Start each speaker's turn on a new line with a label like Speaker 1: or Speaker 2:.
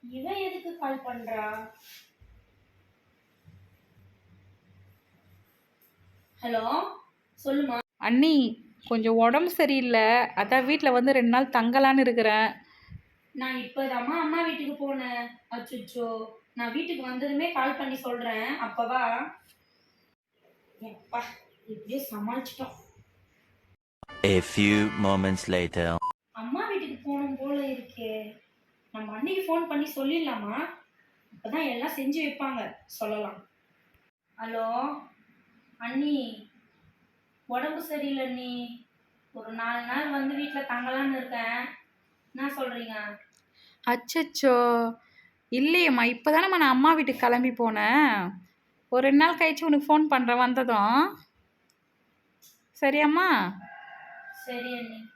Speaker 1: இவ எதுக்கு கால் பண்றா? ஹலோ, சொல்லுமா.
Speaker 2: அண்ணி, கொஞ்சம் உடம்பு சரியில்லை, அதான் வீட்டில் வந்து 2 நாள் தங்கலான்னு இருக்கிறேன்.
Speaker 1: நான் இப்பதாம்மா அம்மா வீட்டுக்கு போனேன். அச்சுச்சோ, நான் வீட்டுக்கு வந்ததுமே கால் பண்ணி சொல்றேன். அப்பவா? எப்பா, இப்படியே சமாளிச்சிட்டோம்.
Speaker 3: A few moments later.
Speaker 1: அம்மா வீட்டுக்கு போகணும் போல இருக்கே. நம்ம அன்னைக்கு ஃபோன் பண்ணி சொல்லிடலாமா? அப்பதான் எல்லாம் செஞ்சு வைப்பாங்க. சொல்லலாம். ஹலோ அண்ணி, உடம்பு சரியில்லை அண்ணி. ஒரு 4 நாள் வந்து வீட்டில் தங்கலான்னு இருக்கேன். என்ன சொல்றீங்க?
Speaker 2: அச்சச்சோ, இல்லையேம்மா, இப்போ தானேம்மா நான் அம்மா வீட்டுக்கு கிளம்பி போனேன். ஒரு 2 நாள் கழிச்சு உனக்கு ஃபோன் பண்ணுறேன் வந்ததும். சரியாம்மா?
Speaker 1: சரி அண்ணி.